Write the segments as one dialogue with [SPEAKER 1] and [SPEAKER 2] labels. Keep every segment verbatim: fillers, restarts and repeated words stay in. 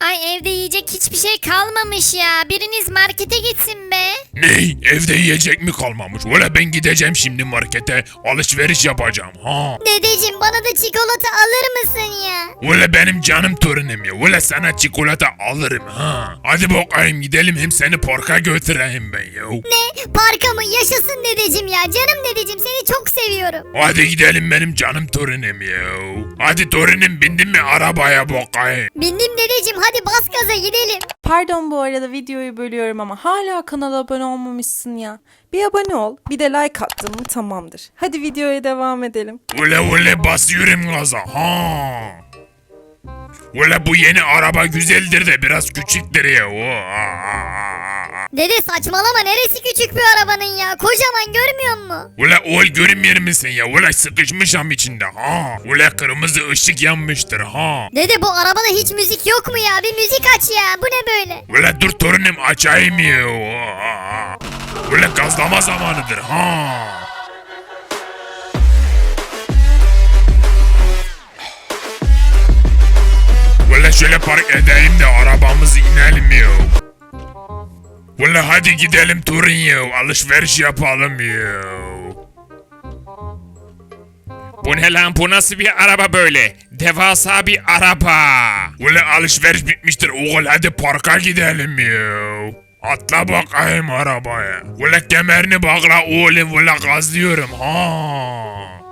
[SPEAKER 1] Ay evde yiyecek hiçbir şey kalmamış ya. Biriniz markete gitsin be.
[SPEAKER 2] Ney? Evde yiyecek mi kalmamış? Valla ben gideceğim şimdi markete. Alışveriş yapacağım ha.
[SPEAKER 1] Dedeciğim bana da çikolata alır mısın ya?
[SPEAKER 2] Valla benim canım torunum ya. Valla sana çikolata alırım ha. Hadi bakayım gidelim hem seni parka götüreyim ben ya.
[SPEAKER 1] Ne? Parka mı? Yaşasın dedeciğim ya. Canım dedeciğim seni çok seviyorum.
[SPEAKER 2] Hadi gidelim benim canım torunum ya. Hadi torunum bindin mi arabaya bakayım.
[SPEAKER 1] Bindim dedeciğim hadi bas gaza gidelim.
[SPEAKER 3] Pardon bu arada videoyu bölüyorum ama hala kanala abone olmamışsın ya. Bir abone ol, bir de like attın mı tamamdır. Hadi videoya devam edelim.
[SPEAKER 2] Valla valla basıyorum gaza ha. Valla bu yeni araba güzeldir de biraz küçüktür ya.
[SPEAKER 1] Dede saçmalama neresi küçük bir arabanın ya. Kocaman görmüyor musun?
[SPEAKER 2] Ula oğul görünmüyor musun ya? Ula sıkışmışam içinde ha. Ula kırmızı ışık yanmıştır ha.
[SPEAKER 1] Dede bu arabada hiç müzik yok mu ya? Bir müzik aç ya. Bu ne böyle?
[SPEAKER 2] Ula dur torunum açayım ya. Ula gazlama zamanıdır ha. Ula şöyle park edeyim de arabamızı inelim ya. Ula hadi gidelim torun ya. Alışveriş yapalım ya. Bu ne lan, bu nasıl bir araba böyle? Devasa bir araba. Ula alışveriş bitmiştir oğul, hadi parka gidelim ya. Atla bakayım arabaya. Ula kemerini bağla oğlum, ula gazlıyorum ha.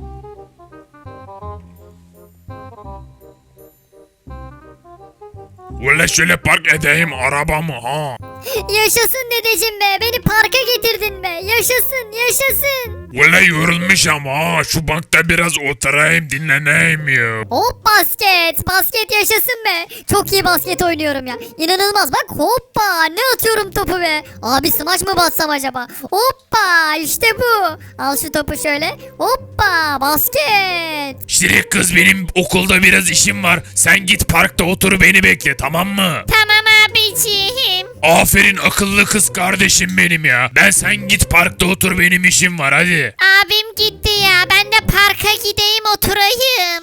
[SPEAKER 2] Ula şöyle park edeyim arabamı ha.
[SPEAKER 1] Yaşasın dedeciğim be. Beni parka getirdin be. Yaşasın yaşasın.
[SPEAKER 2] Ula yorulmuşum ha. Şu bankta biraz oturayım dinleneyim ya.
[SPEAKER 1] Hop basket. Basket yaşasın be. Çok iyi basket oynuyorum ya. İnanılmaz bak hoppa. Ne atıyorum topu be. Abi smaç mı bassam acaba? Hoppa işte bu. Al şu topu şöyle. Hoppa basket.
[SPEAKER 2] Şirin kız benim okulda biraz işim var. Sen git parkta otur beni bekle tamam mı?
[SPEAKER 1] Tamam abiciğim.
[SPEAKER 2] Aferin akıllı kız kardeşim benim ya. Ben sen git parkta otur benim işim var hadi.
[SPEAKER 1] Abim gitti ya. Ben de parka gideyim oturayım.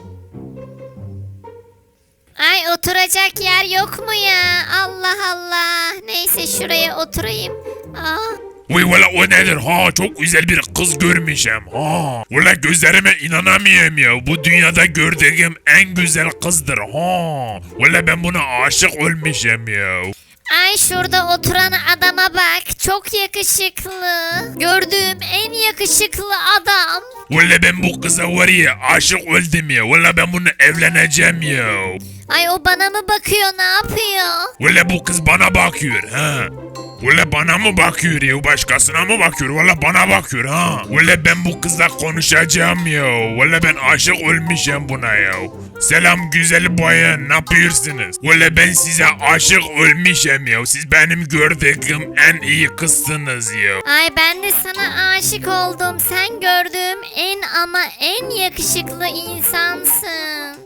[SPEAKER 1] Ay oturacak yer yok mu ya? Allah Allah. Neyse şuraya oturayım. Aa.
[SPEAKER 2] Uy valla o nedir ha, çok güzel bir kız görmüşüm ha. Valla gözlerime inanamıyorum ya, bu dünyada gördüğüm en güzel kızdır ha. Valla ben buna aşık olmuşum ya.
[SPEAKER 1] Ay şurada oturan adama bak. Çok yakışıklı. Gördüğüm en yakışıklı adam.
[SPEAKER 2] Valla ben bu kıza var ya aşık oldum ya. Valla ben bunu evleneceğim ya.
[SPEAKER 1] Ay o bana mı bakıyor ne yapıyor?
[SPEAKER 2] Valla bu kız bana bakıyor ha. Valla bana mı bakıyor ya, başkasına mı bakıyor? Valla bana bakıyor ha. Valla ben bu kızla konuşacağım ya. Valla ben aşık olmuşum buna ya. Selam güzel bayan, ne yapıyorsunuz? Valla ben size aşık olmuşum ya. Siz benim gördüğüm en iyi kızsınız ya.
[SPEAKER 1] Ay ben de sana aşık oldum. Sen gördüğüm en ama en yakışıklı insansın.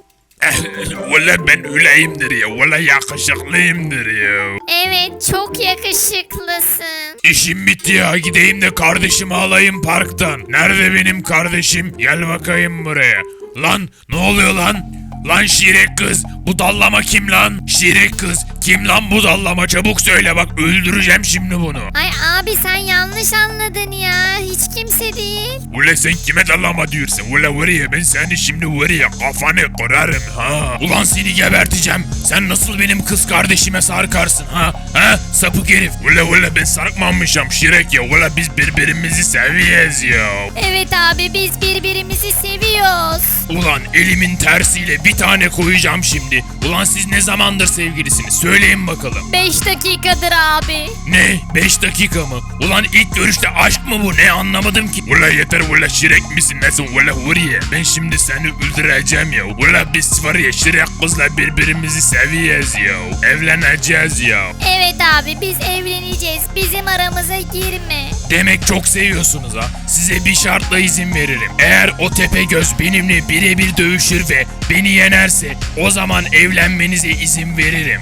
[SPEAKER 2] Valla ben öyleyimdir ya. Valla yakışıklıyımdır ya.
[SPEAKER 1] Evet çok yakışıklısın.
[SPEAKER 2] İşim bitti ya, gideyim de kardeşimi alayım parktan. Nerede benim kardeşim? Gel bakayım buraya. Lan ne oluyor lan? Lan şirek kız, bu dallama kim lan? Şirek kız, kim lan bu dallama? Çabuk söyle bak, öldüreceğim şimdi bunu.
[SPEAKER 1] Ay abi sen yanlış anladın ya. Hiç kimse değil.
[SPEAKER 2] Ula sen kime dallama diyorsun? Ula var ya ben seni şimdi var ya kafanı kırarım ha. Ulan seni geberteceğim. Sen nasıl benim kız kardeşime sarkarsın ha? Ha sapık herif. Ula ula ben sarkmamışım şirek ya. Ula biz birbirimizi seviyoruz ya.
[SPEAKER 1] Evet abi biz birbirimizi seviyoruz.
[SPEAKER 2] Ulan elimin tersiyle bir tane koyacağım şimdi. Ulan siz ne zamandır sevgilisiniz? Söyleyin bakalım.
[SPEAKER 1] beş dakikadır abi.
[SPEAKER 2] Ne? beş dakika mı? Ulan ilk görüşte aşk mı bu? Ne anlamadım ki. Ula yeter ula şirek misin nesin ula huriye? Ben şimdi seni öldüreceğim ya. Ula biz var ya şirek kızla birbirimizi seviyoruz ya. Evleneceğiz ya.
[SPEAKER 1] Evet abi biz evleneceğiz. Bizim aramıza girme.
[SPEAKER 2] Demek çok seviyorsunuz ha. Size bir şartla izin veririm. Eğer o Tepegöz benimle birebir dövüşür ve beni yenerse o zaman evlenmenize izin veririm.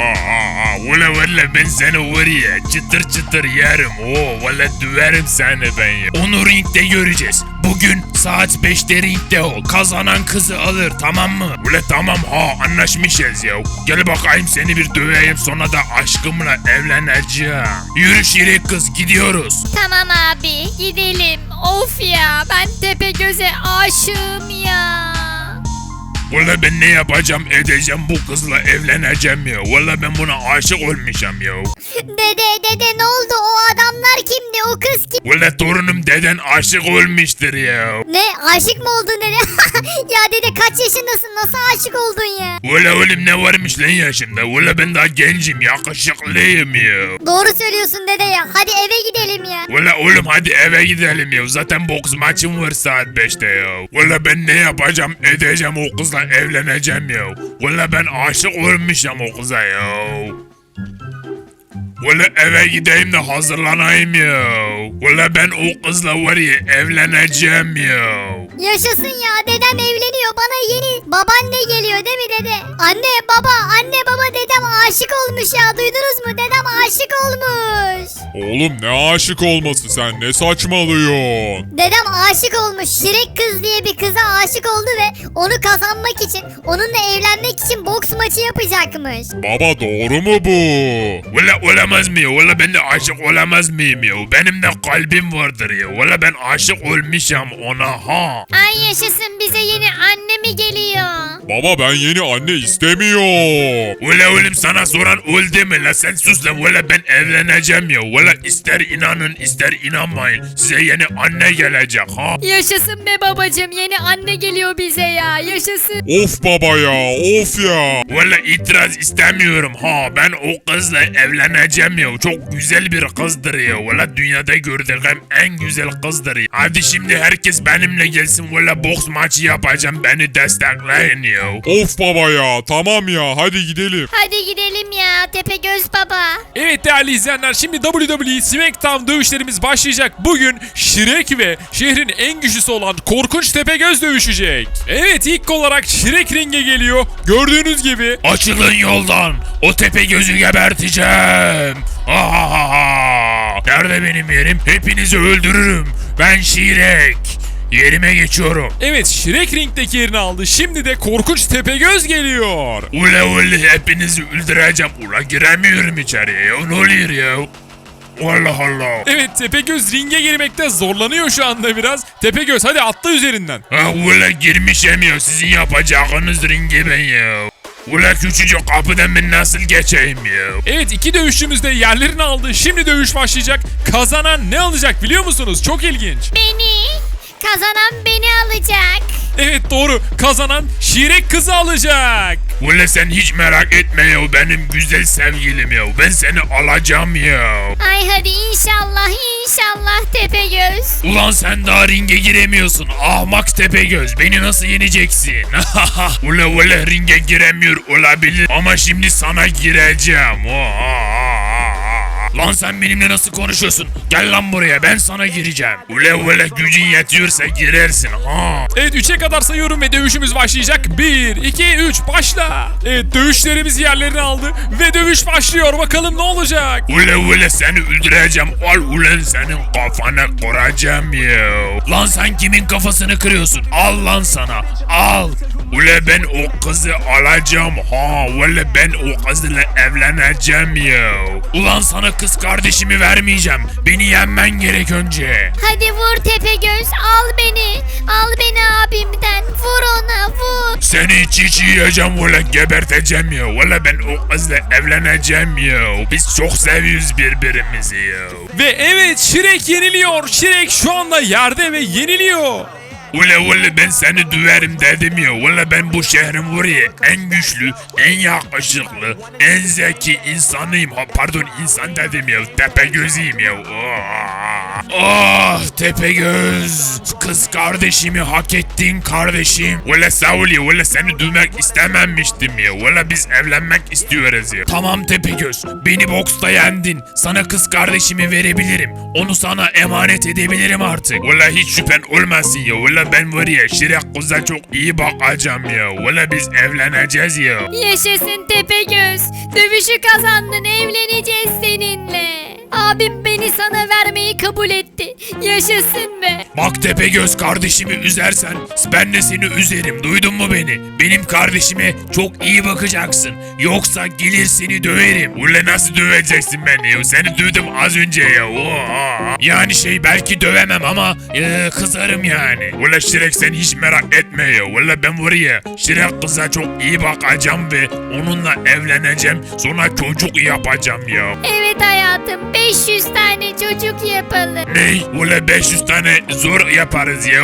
[SPEAKER 2] Valla valla ben seni var ya çıtır çıtır yerim. Oo valla döverim seni ben ya. Onu ringde göreceğiz. bugün saat beşte ringde ol. Kazanan kızı alır, tamam mı? Ule tamam ha, anlaşmışız ya. Gel bakayım seni bir döveyim, sonra da aşkımla evleneceğim. Yürü şirin kız, gidiyoruz.
[SPEAKER 1] Tamam abi gidelim. Of ya ben Tepegöz'e aşığım ya.
[SPEAKER 2] Valla ben ne yapacağım edeceğim, bu kızla evleneceğim ya. Valla ben buna aşık olmuşum ya.
[SPEAKER 1] Dede dede ne oldu o adamlar kimdi o kız kim?
[SPEAKER 2] Valla torunum deden aşık olmuştur ya.
[SPEAKER 1] Ne aşık mı oldun dede? Ya dede kaç yaşındasın nasıl aşık oldun ya?
[SPEAKER 2] Valla oğlum ne varmış lan yaşımda. Valla ben daha gencim, yakışıklıyım ya.
[SPEAKER 1] Doğru söylüyorsun dede ya hadi eve gidelim ya.
[SPEAKER 2] Valla oğlum hadi eve gidelim ya. Zaten boks maçım var saat beşte ya. Valla ben ne yapacağım edeceğim, o kızla evleneceğim ya. Valla ben aşık olmuşum o kıza ya. Valla eve gideyim de hazırlanayım ya. Valla ben o kızla var ya evleneceğim ya.
[SPEAKER 1] Yaşasın ya dedem evleniyor bana yeni babaanne geliyor değil mi dede? Anne baba anne baba dedem aşık olmuş ya duydunuz mu dedem aşık olmuş.
[SPEAKER 4] Oğlum ne aşık olması, sen ne saçmalıyorsun?
[SPEAKER 1] Dedem aşık olmuş Şirek kız diye bir kıza aşık oldu ve onu kazanmak için onunla evlenmek için boks maçı yapacakmış.
[SPEAKER 4] Baba doğru mu bu?
[SPEAKER 2] Valla olamaz mı ya? Valla ben de aşık olamaz mıyım ya? Benim de kalbim vardır ya. Valla ben aşık olmuşum ona ha.
[SPEAKER 1] Ay yaşasın bize yeni anne mi geliyor?
[SPEAKER 4] Baba ben yeni anne istemiyorum.
[SPEAKER 2] Valla oğlum sana soran oldu mu la, sen sus la. Valla ben evleneceğim ya. Valla ister inanın ister inanmayın, size yeni anne gelecek ha.
[SPEAKER 1] Yaşasın be babacım yeni anne geliyor bize ya yaşasın.
[SPEAKER 4] Of baba ya, of ya.
[SPEAKER 2] Valla itiraz istemiyorum ha. Ben o kızla evleneceğim ya. Çok güzel bir kızdır ya. Valla dünyada gördüğüm en güzel kızdır ya. Hadi şimdi herkes benimle gelsin. Valla boks maçı yapacağım. Beni destekleyin ya.
[SPEAKER 4] Of baba ya, tamam ya, hadi gidelim.
[SPEAKER 1] Hadi gidelim ya Tepegöz baba.
[SPEAKER 5] Evet değerli izleyenler, şimdi W W E SmackDown dövüşlerimiz başlayacak. Bugün Shrek ve şehrin en güçlüsü olan Korkunç Tepegöz dövüşecek. Evet, ilk olarak Shrek ringe geliyor. Gördüğünüz gibi.
[SPEAKER 2] Açılın yoldan. O tepe gözü geberteceğim. Ha ha ha ha. Nerede benim yerim? Hepinizi öldürürüm. Ben Şirek. Yerime geçiyorum.
[SPEAKER 5] Evet, Shrek ringdeki yerini aldı. Şimdi de Korkunç Tepegöz geliyor.
[SPEAKER 2] Ule ule hepinizi öldüreceğim. Ula giremiyorum içeriye ya. Ne oluyor ya? Allah Allah.
[SPEAKER 5] Evet, Tepegöz ringe girmekte zorlanıyor şu anda biraz. Tepegöz hadi atla üzerinden.
[SPEAKER 2] Ha ule girmişim ya. Sizin yapacağınız ringi ben ya. Ula küçücük kapıdan ben nasıl geçeyim ya?
[SPEAKER 5] Evet, iki dövüşçümüz de yerlerini aldı. Şimdi dövüş başlayacak. Kazanan ne alacak biliyor musunuz? Çok ilginç.
[SPEAKER 1] Beni kazanan beni alacak.
[SPEAKER 5] Evet doğru. Kazanan Şirek kızı alacak.
[SPEAKER 2] Ula sen hiç merak etme ya, benim güzel sevgilim ya. Ben seni alacağım ya.
[SPEAKER 1] Ay hadi inşallah inşallah Tepegöz.
[SPEAKER 2] Ulan sen daha ringe giremiyorsun. Ahmak Tepegöz. Beni nasıl yeneceksin? ula ula ringe giremiyor olabilir. Ama şimdi sana gireceğim. Lan sen benimle nasıl konuşuyorsun? Gel lan buraya, ben sana gireceğim. Ula ula gücün yetiyorsa girersin ha.
[SPEAKER 5] Evet, üçe kadar sayıyorum ve dövüşümüz başlayacak. bir, iki, üç başla. Evet, dövüşlerimiz yerlerini aldı ve dövüş başlıyor. Bakalım ne olacak?
[SPEAKER 2] Ula ula seni öldüreceğim. Al ulan senin kafana kıracağım ya. Lan sen kimin kafasını kırıyorsun? Al lan sana. Al. Ula ben o kızı alacağım ha. Ula ben o kızla evleneceğim ya. Ulan sana kız kardeşimi vermeyeceğim. Beni yenmen gerek önce.
[SPEAKER 1] Hadi vur Tepegöz al beni. Al beni abimden vur ona vur.
[SPEAKER 2] Seni çiğ yiyeceğim valla, geberteceğim ya. Valla ben o kızla evleneceğim ya. Biz çok seviyoruz birbirimizi ya.
[SPEAKER 5] Ve evet, Shrek yeniliyor. Shrek şu anda yerde ve yeniliyor.
[SPEAKER 2] Ula ula ben seni döverim dedim ya. Ula ben bu şehrin var ya en güçlü, en yakışıklı, en zeki insanıyım. Ha, pardon insan dedim ya. Tepegöz'üyüm ya. Ah Tepegöz. Kız kardeşimi hak ettin kardeşim. Ula sağ ol ya. Ula seni dövmek istememiştim ya. Ula biz evlenmek istiyoruz ya. Tamam Tepegöz. Beni boksta yendin. Sana kız kardeşimi verebilirim. Onu sana emanet edebilirim artık. Ula hiç şüphen olmasın ya. Ula ben var ya Şirek kıza çok iyi bakacağım ya. Ula biz evleneceğiz ya.
[SPEAKER 1] Yaşasın Tepegöz. Dövüşü kazandın evleneceğiz seninle. Abim beni sana vermeyi kabul etti. Yaşasın be.
[SPEAKER 2] Bak Tepegöz, kardeşimi üzersen ben de seni üzerim, duydun mu beni? Benim kardeşime çok iyi bakacaksın. Yoksa gelir seni döverim. Ule nasıl döveceksin beni ya? Seni dövdüm az önce ya. Oha. Yani şey belki dövemem ama e, kızarım yani. Ule Şirek sen hiç merak etme ya. Ule ben var ya Şirek kıza çok iyi bakacağım ve onunla evleneceğim. Sonra çocuk yapacağım ya.
[SPEAKER 1] Evet hayatım, beş yüz tane çocuk yapalım.
[SPEAKER 2] Ney? Ule beş yüz tane zor yaparız ya.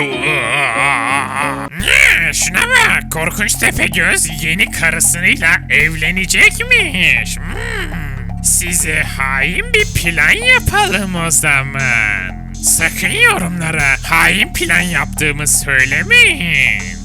[SPEAKER 6] Ne? Şuna bak, korkunç Tepegöz yeni karısıyla evlenecekmiş. Hmm. Size hain bir plan yapalım o zaman. Sakın yorumlara hain plan yaptığımı söylemeyin.